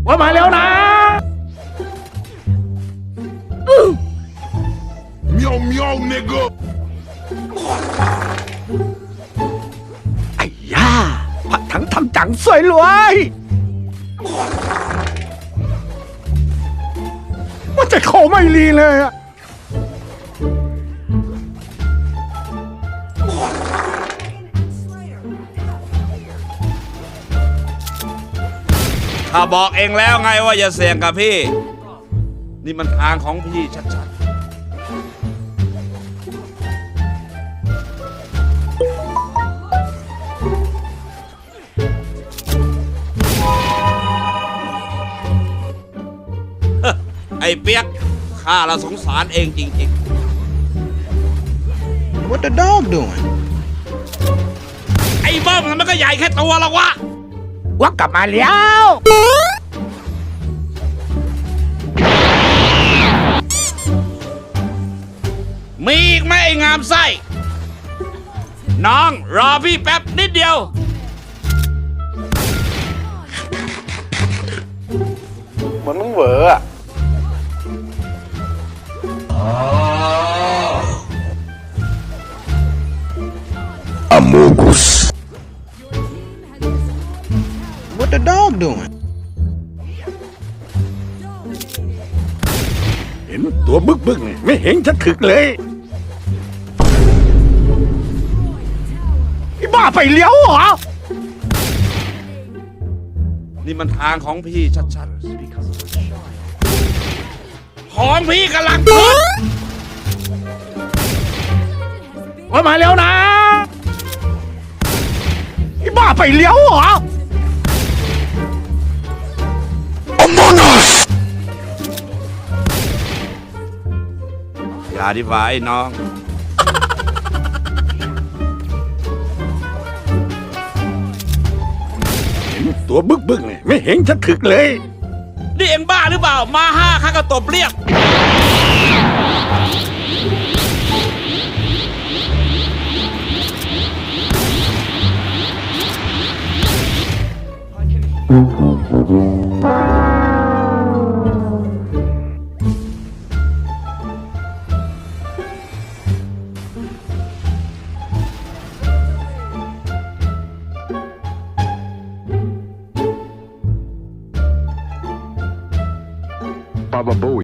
ว่ามาแล้วนะเมียวเมียวเนกะไอ้ย่าผัดถังทำจังสวยรวยว่าจะขอไม่รีเลยอะข้าบอกเองแล้วไงว่าอย่าเสี่ยงกับพี่ นี่มันทางของพี่ชัดๆ ไอ้เปียกข้าละสงสารเองจริง What the dog doing? ๆ ไอ้เบิ้มมันก็ใหญ่แค่ตัวหรอกวะว่ากลับมาแล้วมีอีกไหมไอ้งามไส้ น้องรอพี่แป๊บนิดเดียวเหมือนมึงเหวออะ Amogus What the dog doing? เห็นตัวบึกๆนี่ไม่เห็นจะถึกเลยไอ้บ้าไปเลี้ยวเหรอนี่มันทางของพี่ชัดๆ ของพี่กำลังขึ้นว่ามาแล้วนะไอ้บ้าไปเลี้ยวเหรอ Among Us อย่าดีกว่าไอ้น้องเห็นตัวบึกๆนี่ไม่เห็นจะถึกเลยนี่เอ็งบ้าหรือเปล่า มาห้าข้าก็ตบเรียก Baba Booey